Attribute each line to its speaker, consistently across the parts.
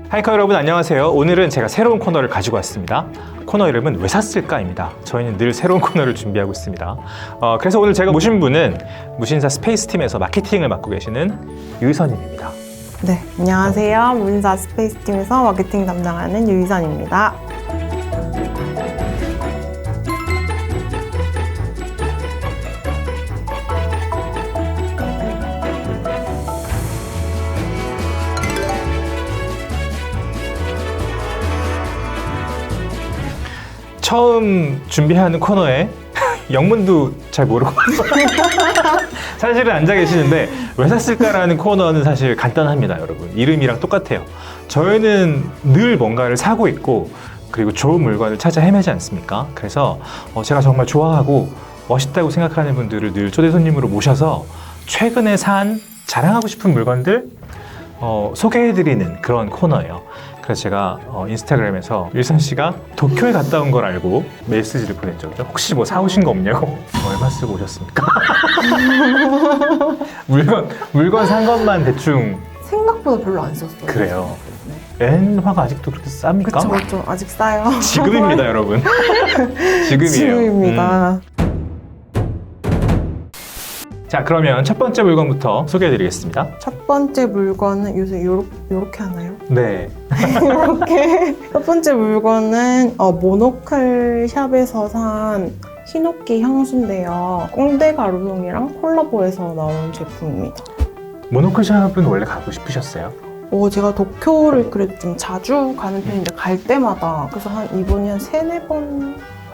Speaker 1: 하이커 여러분 안녕하세요. 오늘은 제가 새로운 코너를 가지고 왔습니다. 코너 이름은 왜 샀을까입니다. 저희는 늘 새로운 코너를 준비하고 있습니다. 그래서 오늘 제가 모신 분은 무신사 스페이스팀에서 마케팅을 맡고 계시는 유희선님입니다.
Speaker 2: 네, 안녕하세요. 무신사 스페이스팀에서 마케팅 담당하는 유희선입니다.
Speaker 1: 처음 준비하는 코너에 영문도 잘 모르고 사실은 앉아 계시는데 왜 샀을까라는 코너는 사실 간단합니다, 여러분. 이름이랑 똑같아요. 저희는 늘 뭔가를 사고 있고 그리고 좋은 물건을 찾아 헤매지 않습니까? 그래서 제가 정말 좋아하고 멋있다고 생각하는 분들을 늘 초대 손님으로 모셔서 최근에 산 자랑하고 싶은 물건들 소개해드리는 그런 코너예요. 그래서 제가 인스타그램에서 유희선 씨가 도쿄에 갔다 온 걸 알고 메시지를 보냈죠. 혹시 뭐 사오신 거 없냐고. 얼마 쓰고 오셨습니까? 물건 산 것만 대충.
Speaker 2: 생각보다 별로 안 썼어요.
Speaker 1: 그래요. 엔화가 아직도 그렇게 쌉니까?
Speaker 2: 그렇죠. 아직 싸요.
Speaker 1: 지금입니다, 여러분. 지금이에요.
Speaker 2: 지금입니다.
Speaker 1: 자, 그러면 첫 번째 물건부터 소개해드리겠습니다.
Speaker 2: 첫 번째 물건은 요새 요렇게 하나요?
Speaker 1: 네.
Speaker 2: 이렇게. 첫 번째 물건은 모노클 샵에서 산 히노키 향수인데요. 꽁대 가루송이랑 콜라보해서 나온 제품입니다.
Speaker 1: 모노클 샵은 원래 가고 싶으셨어요?
Speaker 2: 제가 도쿄를 그래도 좀 자주 가는 편인데 갈 때마다 그래서 이번이 한 3-4번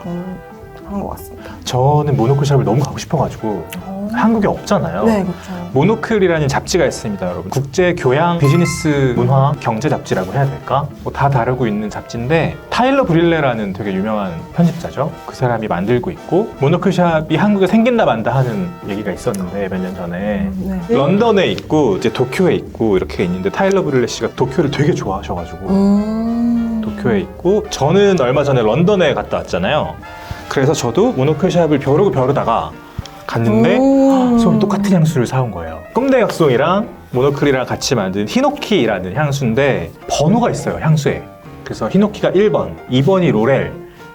Speaker 2: 한 것 같습니다.
Speaker 1: 저는 모노클 샵을 너무 가고 싶어가지고 한국에 없잖아요.
Speaker 2: 네, 그렇죠.
Speaker 1: 모노클이라는 잡지가 있습니다, 여러분. 국제 교양, 비즈니스, 문화, 경제 잡지라고 해야 될까? 다 다루고 있는 잡지인데 타일러 브릴레라는 되게 유명한 편집자죠. 그 사람이 만들고 있고 모노클 샵이 한국에 생긴다 만다 하는 얘기가 있었는데 몇 년 전에
Speaker 2: 네.
Speaker 1: 런던에 있고 이제 도쿄에 있고 이렇게 있는데 타일러 브릴레 씨가 도쿄를 되게 좋아하셔가지고 도쿄에 있고 저는 얼마 전에 런던에 갔다 왔잖아요. 그래서 저도 모노클 샵을 벼르다가 갔는데 서로 똑같은 향수를 사온 거예요. 꼼대 각송이랑 모노클이랑 같이 만든 히노키라는 향수인데 번호가 있어요, 향수에. 그래서 히노키가 1번, 2번이 로렐,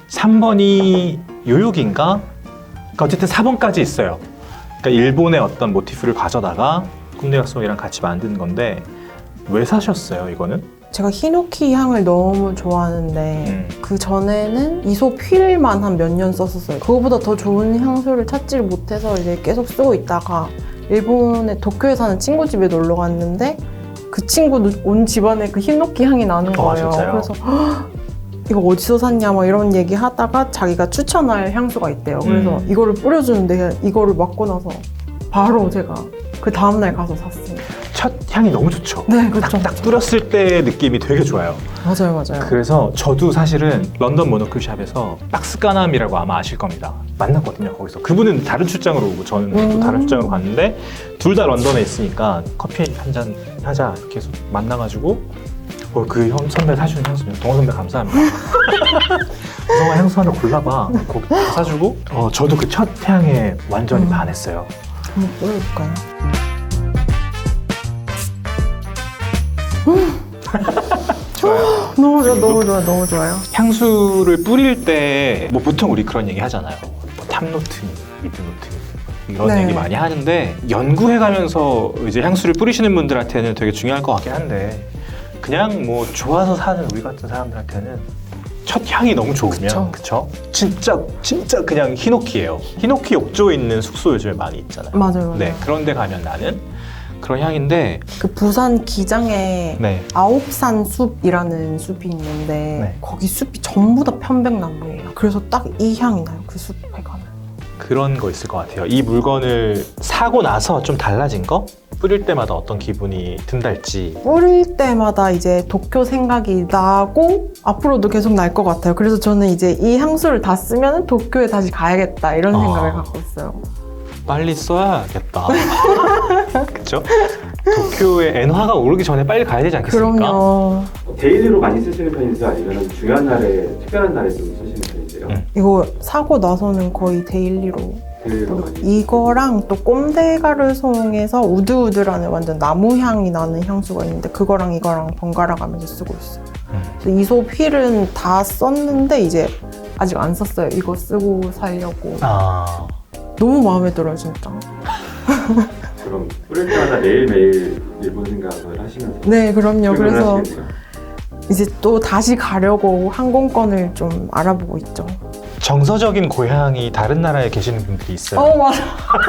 Speaker 1: 3번이 요요기인가? 그러니까 어쨌든 4번까지 있어요. 그러니까 일본의 어떤 모티프를 가져다가 꼼대 각송이랑 같이 만든 건데 왜 사셨어요, 이거는?
Speaker 2: 제가 히노키 향을 너무 좋아하는데 그 전에는 이솝 휠만 한 몇 년 썼었어요. 그거보다 더 좋은 향수를 찾지를 못해서 이제 계속 쓰고 있다가 일본의 도쿄에 사는 친구 집에 놀러 갔는데 그 친구 온 집안에 그 히노키 향이 나는 거예요. 그래서 이거 어디서 샀냐 막 이런 얘기 하다가 자기가 추천할 향수가 있대요. 그래서 이거를 뿌려주는데 이거를 맡고 나서 바로 제가 그 다음날 가서 샀습니다.
Speaker 1: 첫 향이 너무 좋죠.
Speaker 2: 네, 그렇죠.
Speaker 1: 딱 뿌렸을 때 느낌이 되게 좋아요.
Speaker 2: 맞아요.
Speaker 1: 그래서 저도 사실은 런던 모노클 샵에서 박스 까남이라고 아마 아실 겁니다. 만났거든요, 거기서. 그분은 다른 출장으로 오고 저는 또 다른 출장으로 갔는데 둘 다 런던에 있으니까 커피 한잔 하자 이렇게 해서 만나가지고 그 선배 사주는 향수 동원 선배 감사합니다. 동원 향수 하나 골라봐. 거기 다 사주고 저도 그 첫 향에 완전히 반했어요.
Speaker 2: 한번 뿌려볼까요?
Speaker 1: 좋아요.
Speaker 2: 너무 좋아요.
Speaker 1: 향수를 뿌릴 때 보통 우리 그런 얘기 하잖아요. 탑노트, 미드노트 이런
Speaker 2: 네.
Speaker 1: 얘기 많이 하는데 연구해가면서 이제 향수를 뿌리시는 분들한테는 되게 중요할 것 같긴 한데 그냥 좋아서 사는 우리 같은 사람들한테는 첫 향이 너무 좋으면 그쵸? 진짜 그냥 히노키예요. 히노키 욕조에 있는 숙소 요즘에 많이 있잖아요.
Speaker 2: 맞아요.
Speaker 1: 네, 그런 데 가면 나는 그런 향인데
Speaker 2: 그 부산 기장에
Speaker 1: 네.
Speaker 2: 아홉산 숲이라는 숲이 있는데 거기 숲이 전부 다 편백나무예요. 그래서 딱 이 향이 나요. 그 숲에 가면.
Speaker 1: 그런 거 있을 것 같아요. 이 물건을 사고 나서 좀 달라진 거? 뿌릴 때마다 어떤 기분이 든달지.
Speaker 2: 뿌릴 때마다 이제 도쿄 생각이 나고 앞으로도 계속 날 것 같아요. 그래서 저는 이제 이 향수를 다 쓰면 도쿄에 다시 가야겠다 이런 생각을 갖고 있어요.
Speaker 1: 빨리 써야겠다. 그쵸? 도쿄에 엔화가 오르기 전에 빨리 가야 되지 않겠습니까?
Speaker 2: 그럼요.
Speaker 3: 데일리로 많이 쓰시는 편이세요? 아니면 중요한 날에, 특별한 날에 좀 쓰시는 편이세요?
Speaker 2: 이거 사고 나서는 거의 데일리로
Speaker 3: 데일리로 많이
Speaker 2: 이거랑 또 꼼데가르송에서 우드우드라는 완전 나무 향이 나는 향수가 있는데 그거랑 이거랑 번갈아 가면서 쓰고 있어요. 그래서 이솝 휠은 다 썼는데 이제 아직 안 썼어요. 이거 쓰고 살려고.
Speaker 1: 아,
Speaker 2: 너무 마음에 들어요, 진짜.
Speaker 3: 그럼 뿌릴 때마다 매일매일 일본 생각을 하시면서
Speaker 2: 네, 그럼요.
Speaker 3: 출근을
Speaker 2: 그래서
Speaker 3: 하시겠네요.
Speaker 2: 이제 또 다시 가려고 항공권을 좀 알아보고 있죠.
Speaker 1: 정서적인 고향이 다른 나라에 계시는 분들이 있어요.
Speaker 2: 맞아.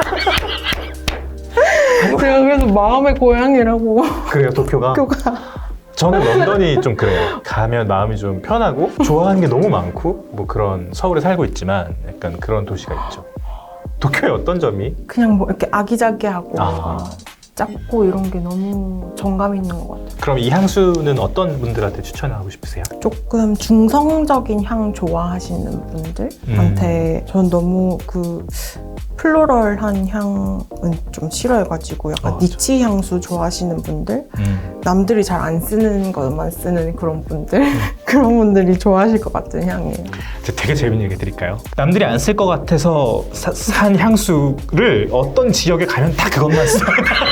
Speaker 2: 제가 그래서 마음의 고향이라고.
Speaker 1: 그래요, 도쿄가?
Speaker 2: 학교가.
Speaker 1: 저는 런던이 좀 그래요. 가면 마음이 좀 편하고 좋아하는 게 너무 많고 뭐 그런 서울에 살고 있지만 약간 그런 도시가 있죠. 도쿄의 어떤 점이?
Speaker 2: 그냥 뭐 이렇게 아기자기하고
Speaker 1: 아.
Speaker 2: 작고 이런 게 너무 정감 있는 것 같아요.
Speaker 1: 그럼 이 향수는 어떤 분들한테 추천하고 싶으세요?
Speaker 2: 조금 중성적인 향 좋아하시는 분들한테 전 너무 그 플로럴한 향은 좀 싫어해가지고 약간
Speaker 1: 맞아.
Speaker 2: 니치 향수 좋아하시는 분들, 남들이 잘 안 쓰는 것만 쓰는 그런 분들, 그런 분들이 좋아하실 것 같은 향이에요.
Speaker 1: 제가 되게 재밌는 얘기 드릴까요? 남들이 안 쓸 것 같아서 산 향수를 어떤 지역에 가면 다 그것만 써요.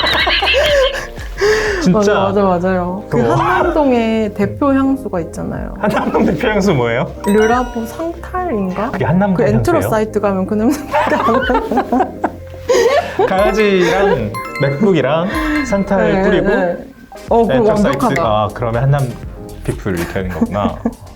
Speaker 1: 진짜
Speaker 2: 맞아요. 그
Speaker 1: 어.
Speaker 2: 한남동에 대표 향수가 있잖아요.
Speaker 1: 한남동 대표 향수 뭐예요?
Speaker 2: 르라보 상탈인가?
Speaker 1: 그게 한남동
Speaker 2: 그 엔트로
Speaker 1: 향수예요?
Speaker 2: 사이트 가면 그 냄새밖에 안 나요.
Speaker 1: 강아지랑 맥북이랑 상탈 뿌리고
Speaker 2: 그럼
Speaker 1: 엔터 사이트
Speaker 2: 완벽하다.
Speaker 1: 아 그러면 한남 피플 이렇게 하는 거구나.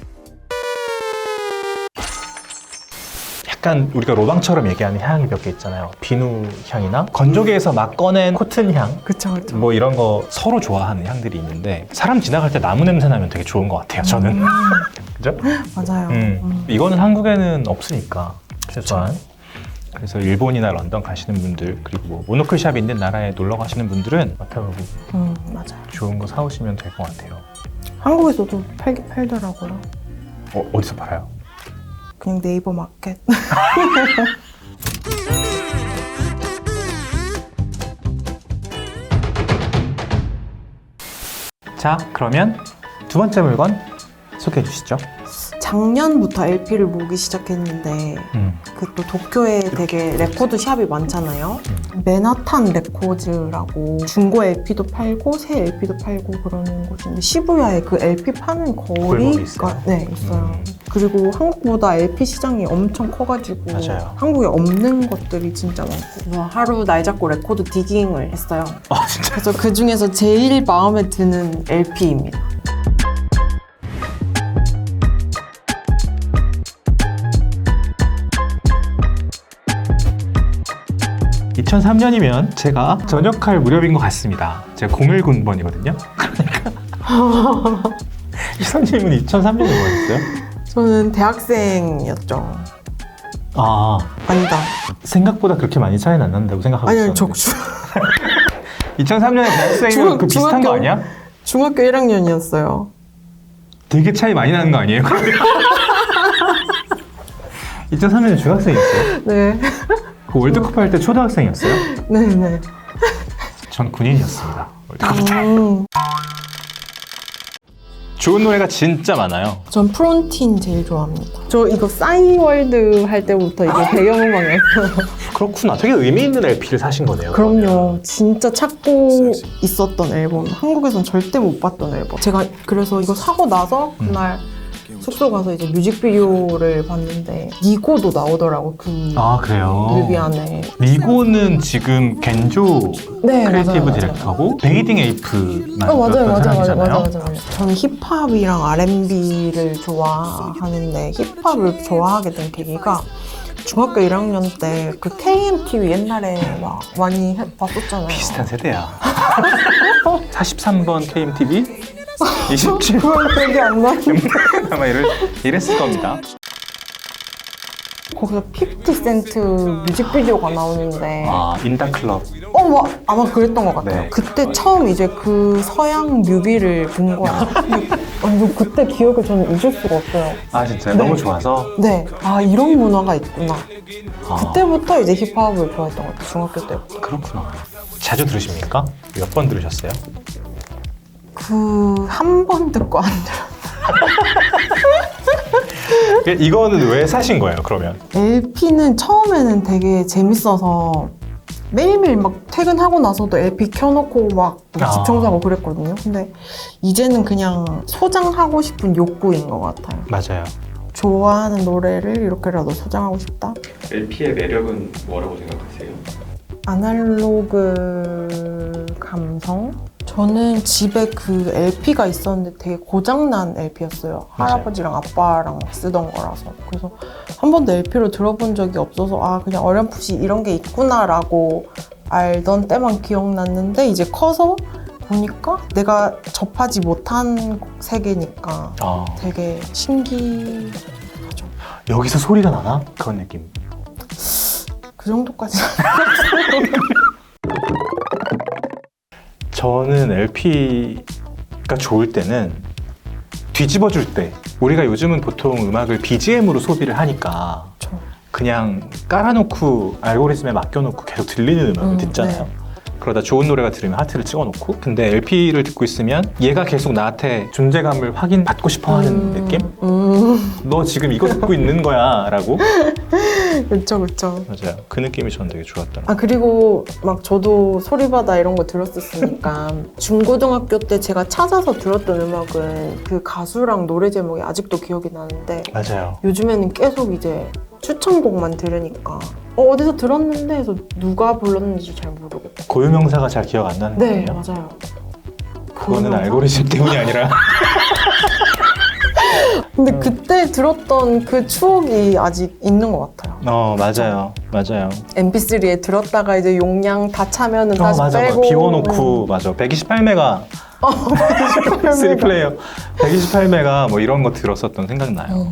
Speaker 1: 약간 우리가 로방처럼 얘기하는 향이 몇 개 있잖아요. 비누 향이나 건조기에서 막 꺼낸 코튼 향,
Speaker 2: 그쵸.
Speaker 1: 뭐 이런 거 서로 좋아하는 향들이 있는데 사람 지나갈 때 나무 냄새 나면 되게 좋은 것 같아요. 저는. 그죠?
Speaker 2: 맞아요.
Speaker 1: 이거는 한국에는 없으니까 최소한. 그래서 일본이나 런던 가시는 분들 그리고 뭐 모노클 샵이 있는 나라에 놀러 가시는 분들은 맡아보고
Speaker 2: 맞아요.
Speaker 1: 좋은 거 사오시면 될 것 같아요.
Speaker 2: 한국에서도 팔더라고요.
Speaker 1: 어디서 팔아요?
Speaker 2: 그냥 네이버 마켓.
Speaker 1: 자, 그러면 두 번째 물건 소개해 주시죠.
Speaker 2: 작년부터 LP를 모으기 시작했는데 그 또 도쿄에 되게 레코드 샵이 많잖아요. 맨하탄 레코즈라고 중고 LP도 팔고 새 LP도 팔고 그러는 곳인데 시부야에 그 LP 파는
Speaker 1: 골목이 있어요?
Speaker 2: 거리가 네 있어요. 그리고 한국보다 LP 시장이 엄청 커가지고
Speaker 1: 맞아요.
Speaker 2: 한국에 없는 것들이 진짜 많고 하루 날 잡고 레코드 디깅을 했어요.
Speaker 1: 진짜?
Speaker 2: 그래서 그 중에서 제일 마음에 드는 LP입니다.
Speaker 1: (2003년이면) 제가 전역할 무렵인 것 같습니다. 제가 019번이거든요. 그러니까 희선님은 2003년에 뭐 했어요?
Speaker 2: 저는 대학생이었죠.
Speaker 1: 아,
Speaker 2: 아니다.
Speaker 1: 생각보다 그렇게 많이 차이는 안 난다고 생각하고
Speaker 2: 아니요,
Speaker 1: 있었는데
Speaker 2: 저
Speaker 1: 2003년에 대학생이면 그 비슷한 거 아니야?
Speaker 2: 중학교 1학년이었어요.
Speaker 1: 되게 차이 많이 나는 거 아니에요? 2003년에 중학생이었어요?
Speaker 2: 네.
Speaker 1: 그 월드컵 할 때 초등학생이었어요?
Speaker 2: 네네.
Speaker 1: 전 군인이었습니다. 월드컵 때.
Speaker 2: 음,
Speaker 1: 좋은 노래가 진짜 많아요.
Speaker 2: 전 프론틴 제일 좋아합니다. 저 이거 싸이월드 할 때부터 이게 배경음악이었어요.
Speaker 1: 그렇구나. 되게 의미 있는 LP를 사신 거네요.
Speaker 2: 그럼요. 진짜 찾고 있었던 앨범. 한국에선 절대 못 봤던 앨범. 제가 그래서 이거 사고 나서 그날 숙소 가서 이제 뮤직비디오를 봤는데 니고도 나오더라고. 그
Speaker 1: 아, 그래요?
Speaker 2: 뮤비 안에.
Speaker 1: 니고는 지금 겐조
Speaker 2: 네,
Speaker 1: 크리에이티브
Speaker 2: 맞아요.
Speaker 1: 디렉터고 베이딩 에이프
Speaker 2: 맞아요.
Speaker 1: 사람이잖아요.
Speaker 2: 저는 힙합이랑 R&B를 좋아하는데 힙합을 좋아하게 된 계기가 중학교 1학년 때 그 KMTV 옛날에 막 많이 봤었잖아요.
Speaker 1: 비슷한 세대야. 43번 KMTV? 27번
Speaker 2: 그건 기억이 안 나는데
Speaker 1: 아마 이랬을 겁니다.
Speaker 2: 거기서 50센트 뮤직비디오가 나오는데
Speaker 1: 인다클럽.
Speaker 2: 아마 그랬던 것 같아요.
Speaker 1: 네.
Speaker 2: 그때 처음 이제 그 서양 뮤비를 본 거예요. 완전 그때 기억을 저는 잊을 수가 없어요.
Speaker 1: 아, 진짜요?
Speaker 2: 네.
Speaker 1: 너무 좋아서?
Speaker 2: 네, 이런 문화가 있구나.
Speaker 1: 아,
Speaker 2: 그때부터 이제 힙합을 좋아했던 것 같아요. 중학교 때부터.
Speaker 1: 그렇구나. 자주 들으십니까? 몇 번 들으셨어요?
Speaker 2: 한 번 듣고 안 들었어요.
Speaker 1: 이거는 왜 사신 거예요, 그러면?
Speaker 2: LP는 처음에는 되게 재밌어서 매일매일 막 퇴근하고 나서도 LP 켜놓고 막 집 청소하고 그랬거든요. 근데 이제는 그냥 소장하고 싶은 욕구인 것 같아요.
Speaker 1: 맞아요.
Speaker 2: 좋아하는 노래를 이렇게라도 소장하고 싶다?
Speaker 3: LP의 매력은 뭐라고 생각하세요?
Speaker 2: 아날로그 감성? 저는 집에 그 LP가 있었는데 되게 고장난 LP였어요.
Speaker 1: 맞아요.
Speaker 2: 할아버지랑 아빠랑 쓰던 거라서. 그래서 한 번도 LP로 들어본 적이 없어서 아 그냥 어렴풋이 이런 게 있구나라고 알던 때만 기억났는데 이제 커서 보니까 내가 접하지 못한 세계니까 되게 신기하죠.
Speaker 1: 여기서 소리가 나나? 그런 느낌.
Speaker 2: 그 정도까지.
Speaker 1: 저는 LP가 좋을 때는 뒤집어줄 때, 우리가 요즘은 보통 음악을 BGM으로 소비를 하니까 그냥 깔아놓고 알고리즘에 맡겨놓고 계속 들리는 음악을 듣잖아요.
Speaker 2: 네.
Speaker 1: 그러다 좋은 노래가 들으면 하트를 찍어놓고, 근데 LP를 듣고 있으면 얘가 계속 나한테 존재감을 확인받고 싶어하는 느낌? 너 지금 이거 듣고 있는 거야 라고?
Speaker 2: 그쵸 그쵸.
Speaker 1: 맞아요. 그 느낌이 저는 되게 좋았던 것
Speaker 2: 아 그리고 막 저도 소리바다 이런 거 들었었으니까 중고등학교 때 제가 찾아서 들었던 음악은 그 가수랑 노래 제목이 아직도 기억이 나는데
Speaker 1: 맞아요.
Speaker 2: 요즘에는 계속 이제 추천곡만 들으니까 어디서 들었는데 해서 누가 불렀는지 잘 모르겠고.
Speaker 1: 고유명사가 잘 기억 안 나는
Speaker 2: 네
Speaker 1: 거예요?
Speaker 2: 맞아요.
Speaker 1: 그거는
Speaker 2: 고유명사?
Speaker 1: 알고리즘 때문이 아니라
Speaker 2: 근데 그때 들었던 그 추억이 아직 있는 것 같아요.
Speaker 1: 맞아요. 맞아요.
Speaker 2: MP3에 들었다가 이제 용량 다 차면은 다시
Speaker 1: 맞아.
Speaker 2: 빼고
Speaker 1: 비워놓고 맞아. 128메가 3플레이어 128메가 뭐 이런 거 들었었던 생각나요.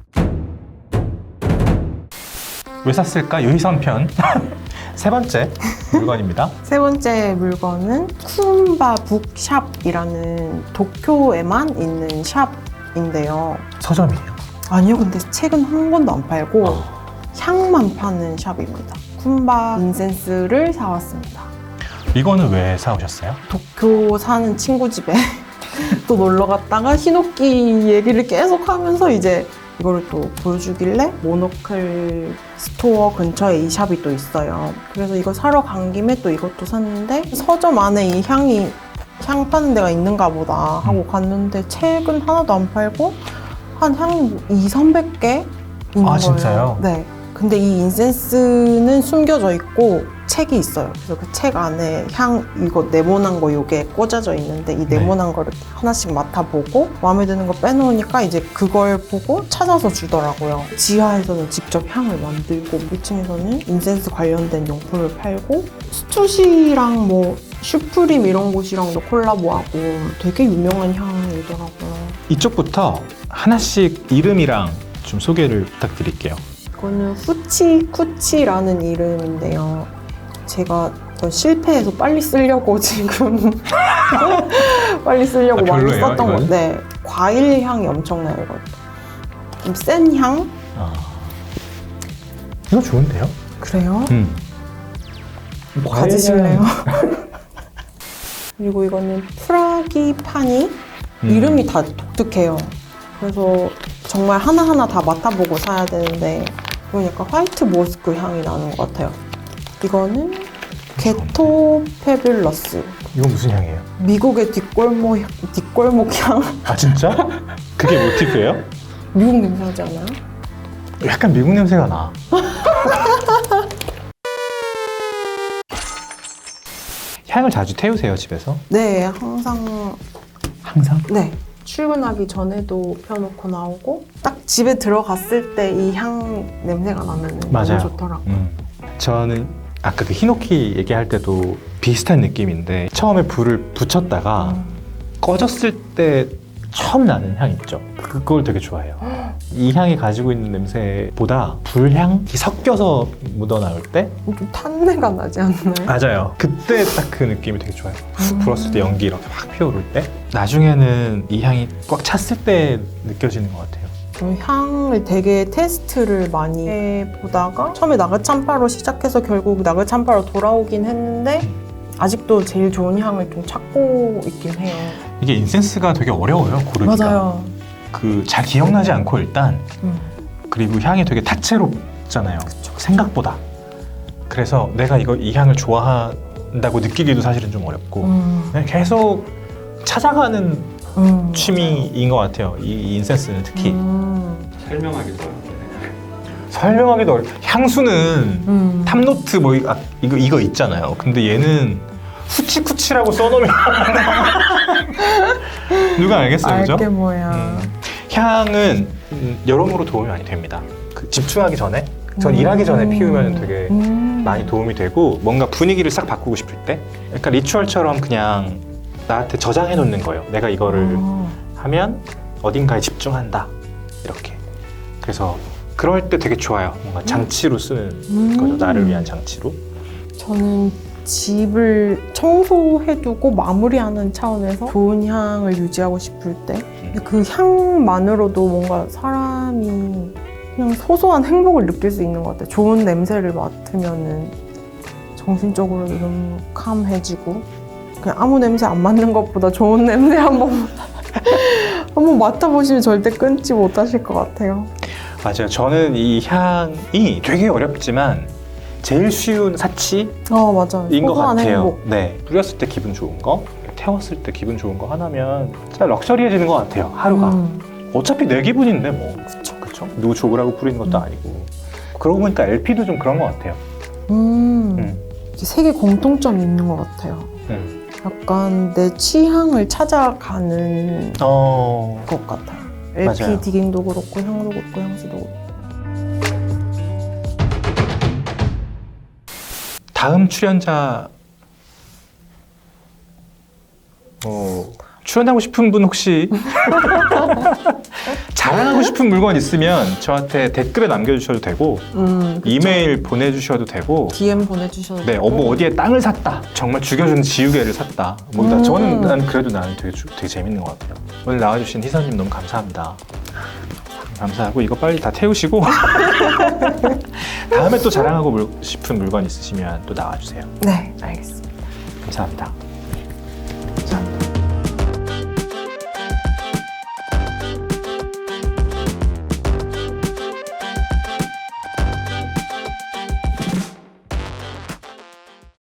Speaker 1: 왜 샀을까? 유희선편 세 번째 물건입니다.
Speaker 2: 세 번째 물건은 쿰바 북샵이라는 도쿄에만 있는 샵인데요.
Speaker 1: 서점이에요.
Speaker 2: 아니요, 근데 책은 한 권도 안 팔고 향만 파는 샵입니다. 쿰바 인센스를 사왔습니다.
Speaker 1: 이거는 왜 사오셨어요?
Speaker 2: 도쿄 사는 친구 집에 또 놀러 갔다가 히노키 얘기를 계속 하면서 이제 이거를 또 보여주길래 모노클 스토어 근처에 이 샵이 또 있어요. 그래서 이거 사러 간 김에 또 이것도 샀는데 서점 안에 이 향이 향 파는 데가 있는가 보다 하고 갔는데 책은 하나도 안 팔고 한 향이 200~300개 있는 거예요.
Speaker 1: 진짜요?
Speaker 2: 네. 근데 이 인센스는 숨겨져 있고 책이 있어요. 그래서 그 책 안에 향 이거 네모난 거 요게 꽂아져 있는데 이 네모난 거를 하나씩 맡아보고 마음에 드는 거 빼놓으니까 이제 그걸 보고 찾아서 주더라고요. 지하에서는 직접 향을 만들고 1층에서는 인센스 관련된 용품을 팔고 스투시랑 뭐 슈프림 이런 곳이랑도 콜라보하고 되게 유명한 향이더라고요.
Speaker 1: 이쪽부터 하나씩 이름이랑 좀 소개를 부탁드릴게요.
Speaker 2: 이거는 후치쿠치라는 이름인데요. 제가 실패해서 빨리 쓰려고 지금 빨리 쓰려고 많이
Speaker 1: 별로예요,
Speaker 2: 썼던
Speaker 1: 이건?
Speaker 2: 건데 과일 향이 엄청나요. 이거 좀 센 향?
Speaker 1: 이거 좋은데요?
Speaker 2: 그래요?
Speaker 1: 과일
Speaker 2: 가지실래요? 그리고 이거는 프라기파니 이름이 다 독특해요. 그래서 정말 하나하나 다 맡아보고 사야 되는데 이건 약간 화이트 모스크 향이 나는 것 같아요. 이거는 게토 페뷸러스.
Speaker 1: 이건 무슨 향이에요?
Speaker 2: 미국의 뒷골목 향?
Speaker 1: 아 진짜? 그게 모티프예요?
Speaker 2: 미국 냄새 나지 않아요?
Speaker 1: 약간 미국 냄새가 나. 향을 자주 태우세요, 집에서?
Speaker 2: 네, 항상
Speaker 1: 항상?
Speaker 2: 네. 출근하기 전에도 펴놓고 나오고 딱 집에 들어갔을 때 이 향 냄새가 나면
Speaker 1: 맞아요.
Speaker 2: 너무 좋더라고요.
Speaker 1: 저는 아까 그 히노키 얘기할 때도 비슷한 느낌인데 처음에 불을 붙였다가 꺼졌을 때 처음 나는 향 있죠. 그걸 되게 좋아해요. 이 향이 가지고 있는 냄새보다 불향이 섞여서 묻어나올 때
Speaker 2: 좀 탄내가 나지 않나요?
Speaker 1: 맞아요. 그때 딱 그 느낌이 되게 좋아요. 훅 불었을 때 연기 이렇게 확 피어오를 때 나중에는 이 향이 꽉 찼을 때 느껴지는 것 같아요.
Speaker 2: 향을 되게 테스트를 많이 해보다가 처음에 나그찬파로 시작해서 결국 나그찬파로 돌아오긴 했는데 아직도 제일 좋은 향을 좀 찾고 있긴 해요.
Speaker 1: 이게 인센스가 되게 어려워요, 고르기가.
Speaker 2: 맞아요.
Speaker 1: 그 잘 기억나지 않고 일단 그리고 향이 되게 다채롭잖아요. 생각보다. 그래서 내가 이 향을 좋아한다고 느끼기도 사실은 좀 어렵고 그냥 계속 찾아가는 취미인 것 같아요. 이 인센스는 특히.
Speaker 3: 설명하기도 어렵게.
Speaker 1: 설명하기도 향수는 탑노트 뭐 이거 있잖아요. 근데 얘는 후치쿠치라고 써놓으면 누가 알겠어요, 그죠?
Speaker 2: 알게 뭐야.
Speaker 1: 향은 여러모로 도움이 많이 됩니다. 그 집중하기 전에, 전 일하기 전에 피우면 되게 많이 도움이 되고 뭔가 분위기를 싹 바꾸고 싶을 때, 약간 리추얼처럼 그냥 나한테 저장해 놓는 거예요. 내가 이거를 하면 어딘가에 집중한다 이렇게. 그래서 그럴 때 되게 좋아요. 뭔가 장치로 쓰는 거죠. 나를 위한 장치로.
Speaker 2: 저는 집을 청소해두고 마무리하는 차원에서 좋은 향을 유지하고 싶을 때 그 향만으로도 뭔가 사람이 그냥 소소한 행복을 느낄 수 있는 것 같아요. 좋은 냄새를 맡으면은 정신적으로도 너무 캄해지고 그냥 아무 냄새 안 맡는 것보다 좋은 냄새 한번 맡아보시면 절대 끊지 못하실 것 같아요.
Speaker 1: 맞아요. 저는 이 향이 되게 어렵지만 제일 쉬운 사치인
Speaker 2: 맞아요.
Speaker 1: 것
Speaker 2: 소소한
Speaker 1: 같아요.
Speaker 2: 행복.
Speaker 1: 네, 뿌렸을 때 기분 좋은 거, 태웠을 때 기분 좋은 거 하나면 진짜 럭셔리해지는 것 같아요. 하루가. 어차피 내 기분인데 뭐. 그쵸? 누구 좋으라고 뿌리는 것도 아니고. 그러고 보니까 LP도 좀 그런 것 같아요.
Speaker 2: 세계 공통점이 있는 것 같아요. 약간 내 취향을 찾아가는 것 같아요. LP
Speaker 1: 맞아요.
Speaker 2: 디깅도 그렇고 향도 그렇고 향수도 그렇고.
Speaker 1: 다음 출연자 출연하고 싶은 분 혹시 자랑하고 싶은 물건 있으면 저한테 댓글에 남겨주셔도 되고 이메일 보내주셔도 되고
Speaker 2: DM 보내주셔도
Speaker 1: 네,
Speaker 2: 되고
Speaker 1: 뭐 어디에 땅을 샀다 정말 죽여주는 지우개를 샀다 뭐 저는 그래도 나는 되게 재밌는 것 같아요. 오늘 나와주신 희선님 너무 감사합니다. 감사하고 이거 빨리 다 태우시고 다음에 또 자랑하고 싶은 물건 있으시면 또 나와주세요.
Speaker 2: 네, 알겠습니다.
Speaker 1: 감사합니다.